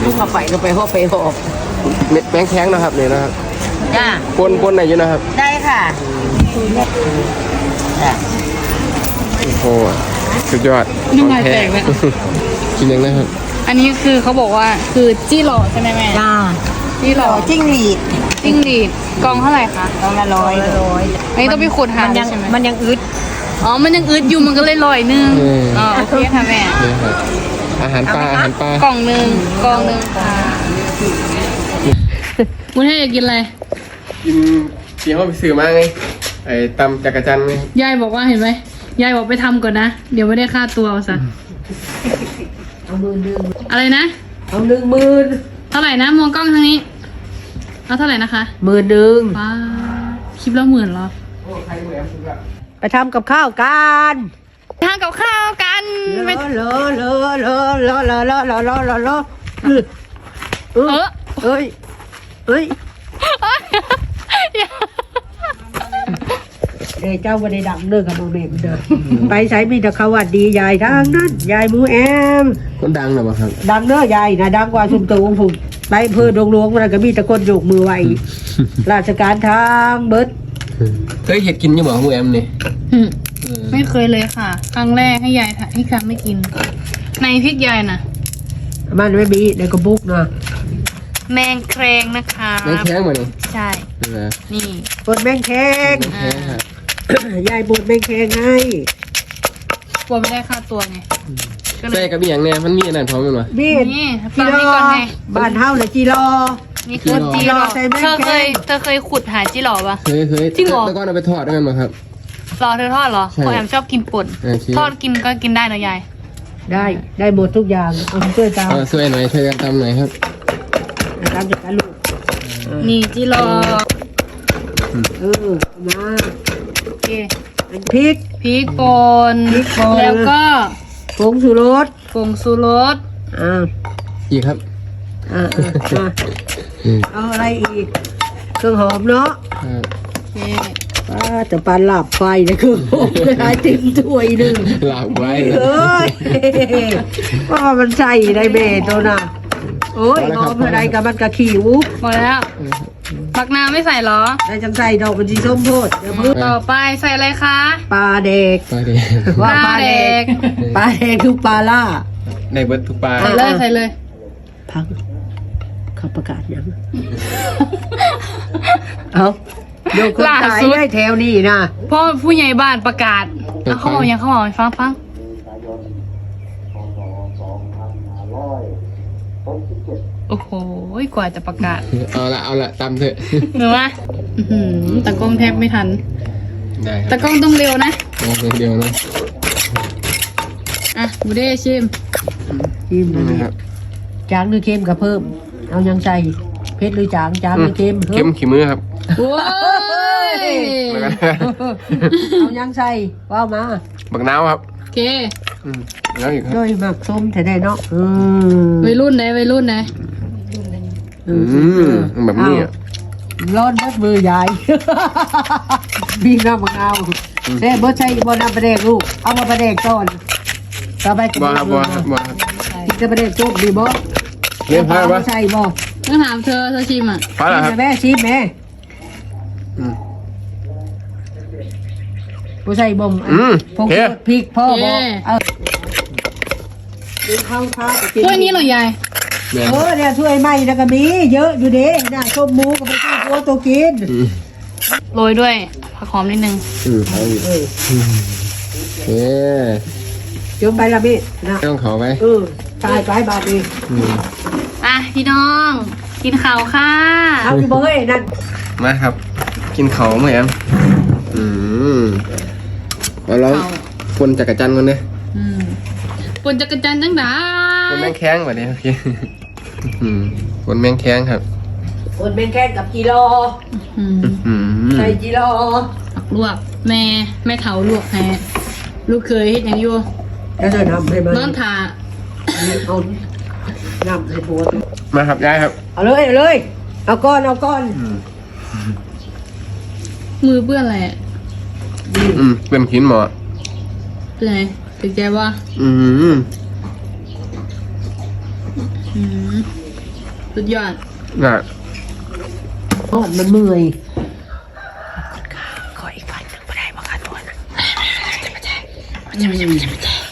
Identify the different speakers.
Speaker 1: ทุกมาไปก็ไปหอบไปหอบ
Speaker 2: แมงแข้งนะครับเนี่ยนะครับ
Speaker 1: จ้า
Speaker 2: ปนไหนอยู่นะครับ
Speaker 1: ได้ค่ะ
Speaker 2: โอ้โหสุดยอด
Speaker 3: น้ำลายแตกเลย
Speaker 2: กินยังนะครับ
Speaker 3: อันนี้คือเขาบอกว่าคือจี้หล่อใช่ไหมแม่
Speaker 1: จ้า
Speaker 3: จี้หล่อ
Speaker 1: จิ้งหรีด
Speaker 3: กองเท่าไหร่คะ
Speaker 1: กองละ100
Speaker 3: อันนี้ต้องไปขุดหาใช่ไหม
Speaker 1: มันยังอึด
Speaker 3: อ๋อมันยังอึดอยู่มันก็เลยลอยนึงอ๋อโอเคค่ะแม่
Speaker 2: อาหารปลาก
Speaker 3: ล่องนึงค่ะคุณให้อยากกินอะไร
Speaker 2: กินเสียงว่าไปสื่อมาไงไอ้ตำจักรจันไง
Speaker 3: ยายบอกว่าเห็นไหมยายบอกไปทำก่อนนะเดี๋ยวไม่ได้ค่าตัวเอาซะ
Speaker 1: เอา10,000
Speaker 3: อะไรนะ
Speaker 1: เอา10,000
Speaker 3: เท่าไหร่นะมองกล้องทางนี้เอาเท่าไหร่นะคะ
Speaker 1: 10,000
Speaker 3: ป้าคลิปละ10,000เหรอ
Speaker 1: ไปทำกับข้าวกัน
Speaker 3: ทานกับข้าวกัน
Speaker 1: เลเอ้ยเจ้าวันได้ดังเด้อกับโมเมนต์เด้อไปใช้มีแต่เขาวัดดียายทางนั้นยายมูแอม
Speaker 2: คนดังหรอครับ
Speaker 1: ดังเด้อยายนะดังกว่าชุมตูผมไปเพื่อดงหลวงมันก็มีแต่คนโยกมือไหวราชการทางเบิด
Speaker 2: เคยเห็ดกินยังบอกมูแอมนี่
Speaker 3: ไม่เคยเลยค่ะครั้งแรกให้ยายให้ครั้งไม่กินในพริกยายน่ะ
Speaker 1: มันไม่มีในกระบุกนะ
Speaker 3: แมงแครงนะคะ
Speaker 2: แมงแครงมาเนี่ย
Speaker 3: ใช่นี่
Speaker 1: ปวดแมงแครงยายปวดแมงแครงให้
Speaker 3: กลัวไม่ได้ค่าตัวไง
Speaker 2: ใช่กับอย่างเนี่ยมันมีอันนั้นพร้อมกันวะ
Speaker 1: มี
Speaker 3: จีรอ
Speaker 1: บ้านเฮาเลยจีรอ
Speaker 3: นี่คือจีรอเธอเคยขุดหาจีรอปะ
Speaker 2: เคย
Speaker 3: จริงเหรอ
Speaker 2: แล้วก็เอาไปทอดด้วยกันมาครับ
Speaker 3: รอเธอทอดเหรอพ่อแอมชอบกินป่นทอดกินก็กินได้นะยาย
Speaker 1: ได้หมดทุกอย่างเอาช่วยตาม
Speaker 2: ช่วยหน่อยช่วยกันทำหน่อยครับ
Speaker 1: ตามจากลูก
Speaker 3: นี่จีรอ
Speaker 1: มา
Speaker 3: โอเค
Speaker 1: พริก
Speaker 3: ป่นแล้วก็
Speaker 1: ผงชูรส
Speaker 2: อีกครับ
Speaker 1: เอาอะไรอีกเครื่องหอมเนาะจะปานหลับไฟนะคือผมได้ติ่มถ้วยหนึ่ง
Speaker 2: หลับไว้
Speaker 1: ว่ามันใส่ได้เบตตัวน่ะโอ้ยหอมอะไรกับมันกระขี้วุ้บ
Speaker 3: หมดแล้วปักน้ำไม่ใส่หรอ
Speaker 1: ได้จังใส่ดอกมันจีส้มโพดเดี๋ยวพึ่ง
Speaker 3: ต่อไปใส่อะไรคะ
Speaker 1: ปลาเด็กว่าปลาเด็กคือปลาล่า
Speaker 2: ในเบิร์ดทุกปลา
Speaker 3: ใส่เลย
Speaker 1: พังเขาประกาศยังเอาโยกคนตายได้แถวนี้นะ
Speaker 3: พ่อผู้ใหญ่บ้านประกาศเขาบอกยังเขาบอกฟังโอ้โหกว่าจะประกาศ
Speaker 2: เอาละตามเถอะ
Speaker 3: หรือว่าตะกล้องแทบไม่ทันตะกล้องต้องเร็วนะ
Speaker 2: เร็วนะ
Speaker 3: บูเด้ชิม
Speaker 1: นะครับจางหรือเค็มกับเพิ่มเอายังใส่เผ็ดหรือจางหรือเค็ม
Speaker 2: ขี้มือครับ
Speaker 3: โอ้ย
Speaker 1: เอายังใส่ว้าวมา
Speaker 2: บักน้ำครับ
Speaker 3: โอเค
Speaker 2: แล้วอีกครับ
Speaker 1: ด้วยหมักส้มแท้ๆเนาะ
Speaker 3: วัยรุ่นไหน
Speaker 2: แบบนี้
Speaker 1: ร้อนนัดมือใหญ่มีน้ำมะนาวเด้บ่ใช่บ่น้ำปลาแดกลูกเอามาปลาแดกก่อนต่อไป
Speaker 2: บ่ครับ
Speaker 1: กินกับปลาแดกจุ๊บดีบ่
Speaker 2: เลี้ยงพาบ่
Speaker 1: ใช่บ่
Speaker 3: ต้องถามเธอชิม
Speaker 2: พาแล้วครับ
Speaker 1: แม่ชิมแม่บ่ใส่บ่มพริกพ่อบ่ข้าว
Speaker 3: ถ้วยนี้เหรอยาย
Speaker 1: เนี่ยถ้วยใหม่แล้วก็มีเยอะอยู่เด้น่ะส้มหมูก็ไปซื้อตัวกิน
Speaker 3: โรยด้วยผักหอมนิดนึง
Speaker 1: จมไปละพี่นะ
Speaker 2: ต้องขอไป
Speaker 1: ตายไปบาดดี
Speaker 3: พี่น้องกินข้าวค่ะ
Speaker 1: เอาที่เบยนั่น
Speaker 2: มาครับกินข้าวมั้ยแอมแล้วปนจักรจันทร์กันเนี่ย
Speaker 3: ปนจักรจันทร์จังได้
Speaker 2: ปนแมงแข้งแบบนี้พี่ปนแมงแข้งครับ
Speaker 1: ปนแมงแข้งกับจีรอใส่จีรอ
Speaker 3: ผักลวกแม่เถาลวกแพ้ลูกเคยเฮ็ดยังอยู่
Speaker 1: แล้วจะทำให้มัน
Speaker 3: นอนถา
Speaker 1: เอานำให้ผัว
Speaker 2: มาครับยายครับ
Speaker 1: เอาเลยเอาก้อน
Speaker 3: มือเปื้อนอะไร
Speaker 2: เป็นขินหมอ
Speaker 3: เป็นไงเป็นแกว่าสุดยอด
Speaker 2: น่ะ
Speaker 1: โอ้มันเมื่อย
Speaker 3: ขออีกพันหนึ่งไม่ได้มาค่ะทุกคน